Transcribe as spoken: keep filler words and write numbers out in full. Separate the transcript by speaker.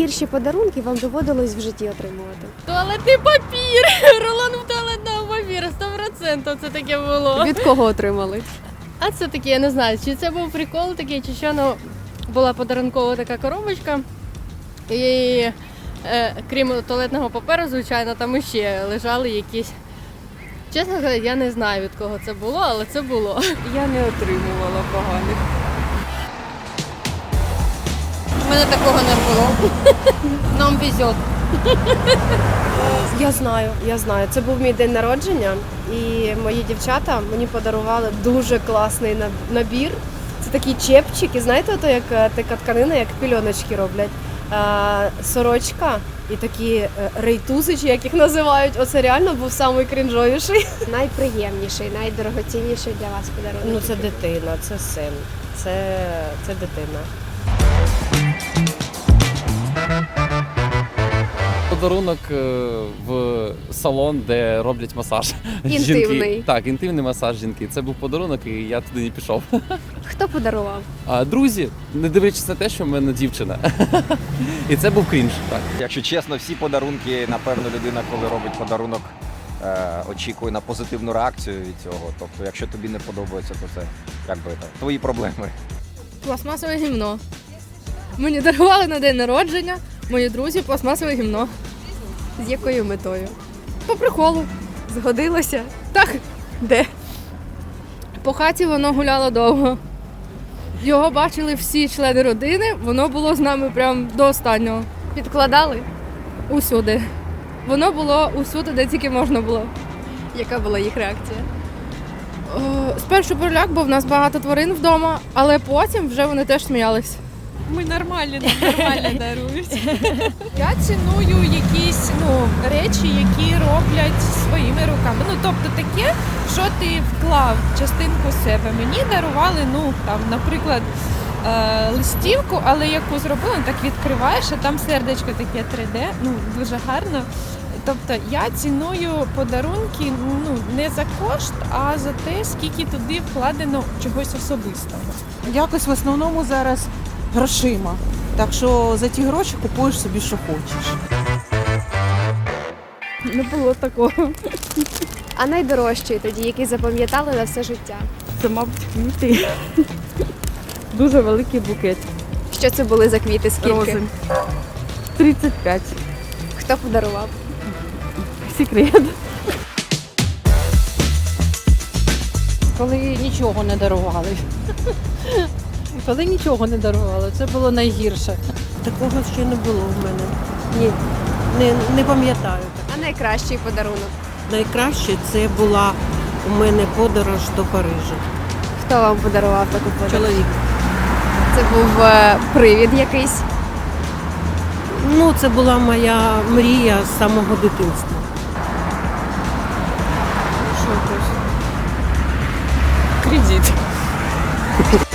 Speaker 1: найгірші подарунки вам доводилось в житті отримувати?
Speaker 2: Туалетний папір! Рулон туалетного папіру, сто відсотків це таке було.
Speaker 1: Від кого отримали?
Speaker 2: А це таке, я не знаю, чи це був прикол такий, чи що, ну, була подарункова така коробочка. І е, крім туалетного паперу, звичайно, там іще лежали якісь. Чесно говоря, я не знаю, від кого це було, але це було.
Speaker 3: Я не отримувала поганих.
Speaker 2: У мене такого не було. Нам везет.
Speaker 1: Я знаю, я знаю. Це був мій день народження, і мої дівчата мені подарували дуже класний набір. Це такі чепчики, знаєте, ото як така тканина, як пільоночки роблять. А, сорочка і такі рейтузи, чи як їх називають. Оце реально був самий крінжовіший. Найприємніший, найдорогоцінніший для вас подарунок.
Speaker 3: Ну це дитина, це син, це, це дитина.
Speaker 4: Подарунок в салон, де роблять масаж.
Speaker 1: Інтимний.
Speaker 4: Жінки. Так, інтимний масаж жінки. Це був подарунок, і я туди не пішов.
Speaker 1: Хто подарував?
Speaker 4: А друзі, не дивлячись на те, що в мене дівчина. І це був крінж. Так.
Speaker 5: Якщо чесно, всі подарунки, напевно, людина, коли робить подарунок, е, очікує на позитивну реакцію від цього. Тобто, якщо тобі не подобається, то це якби так, твої проблеми.
Speaker 2: Пластмасове гімно. Мені дарували на день народження мої друзі пластмасове гімно.
Speaker 1: З якою метою?
Speaker 2: По приколу.
Speaker 1: Згодилося?
Speaker 2: Так,
Speaker 1: Де?
Speaker 2: по хаті воно гуляло довго. Його бачили всі члени родини, воно було з нами прям до останнього.
Speaker 1: Підкладали?
Speaker 2: Усюди. Воно було усюди, де тільки можна було.
Speaker 1: Яка була їх реакція?
Speaker 2: О, спершу переляк, бо в нас багато тварин вдома, але потім вже вони теж сміялись.
Speaker 6: Ми нормально, нормально дарують. Я ціную якісь ну, речі, які роблять своїми руками. Ну, тобто таке, що ти вклав частинку себе. Мені дарували, ну, там, наприклад, е- листівку, але яку зробили, так відкриваєш, а там сердечко таке три де, ну, дуже гарно. Тобто я ціную подарунки ну, не за кошт, а за те, скільки туди вкладено чогось особистого.
Speaker 7: Якось в основному зараз грошима. Так що за ті гроші купуєш собі, що хочеш.
Speaker 2: Не було такого.
Speaker 1: А найдорожчий тоді, який запам'ятали на все життя?
Speaker 3: Це, мабуть, квіти. Дуже великий букет.
Speaker 1: Що це були за квіти? Скільки?
Speaker 3: Рози. тридцять п'ять.
Speaker 1: Хто подарував?
Speaker 3: Секрет.
Speaker 8: Коли нічого не дарували. Коли нічого не дарували, це було найгірше.
Speaker 7: Такого ще не було в мене. Ні, не, не пам'ятаю.
Speaker 1: А найкращий подарунок?
Speaker 7: Найкраще це була у мене подорож до Парижа.
Speaker 1: Хто вам подарував таку подорож?
Speaker 7: Чоловік.
Speaker 1: Це був е, привід якийсь?
Speaker 7: Ну, це була моя мрія з самого дитинства.
Speaker 6: Кредит.